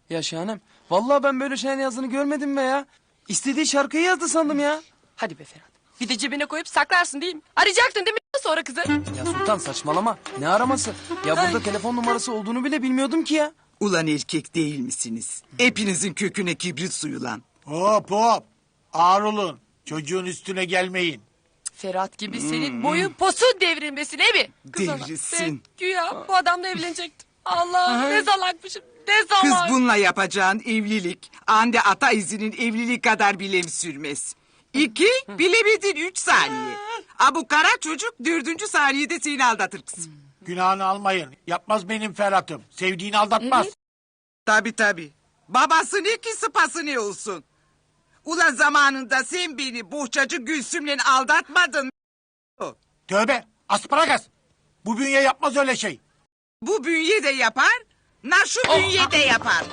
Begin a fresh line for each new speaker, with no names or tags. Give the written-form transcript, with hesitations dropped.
Ya Şahanem, vallahi ben böyle şeyler yazdığını görmedim be ya. İstediği şarkıyı yazdı sandım ya.
Hadi be Ferhat. Bir de cebine koyup saklarsın değil mi? Arayacaktın değil mi sonra kızı?
Ya Sultan saçmalama. Ne araması? Ya burada
Ay.
telefon numarası olduğunu bile bilmiyordum ki ya.
Ulan erkek değil misiniz? Hepinizin köküne kibrit suyu lan.
Hop hop. Ağır olun. Çocuğun üstüne gelmeyin.
Ferhat gibi senin boyun posun devrilmesin değil mi? Kız ana,
Devrilsin.
ben güya bu adamla evlenecektim. Allah ne salakmışım. Ne
Kız
salak.
bununla yapacağın evlilik, ande ata izinin evliliği kadar bile sürmez. 2, bilemedin 3 saniye. Bu kara çocuk 4. saniyede seni aldatır kızım.
Günahını almayın. Yapmaz benim Ferhat'ım. Sevdiğini aldatmaz.
Tabii. Babası ne ki sıpası ne olsun. Ulan zamanında sen beni bohçacı Gülsüm'le aldatmadın.
Tövbe. Asparagas. Bu bünye yapmaz öyle şey.
Bu bünye de yapar, şu bünye de yapar.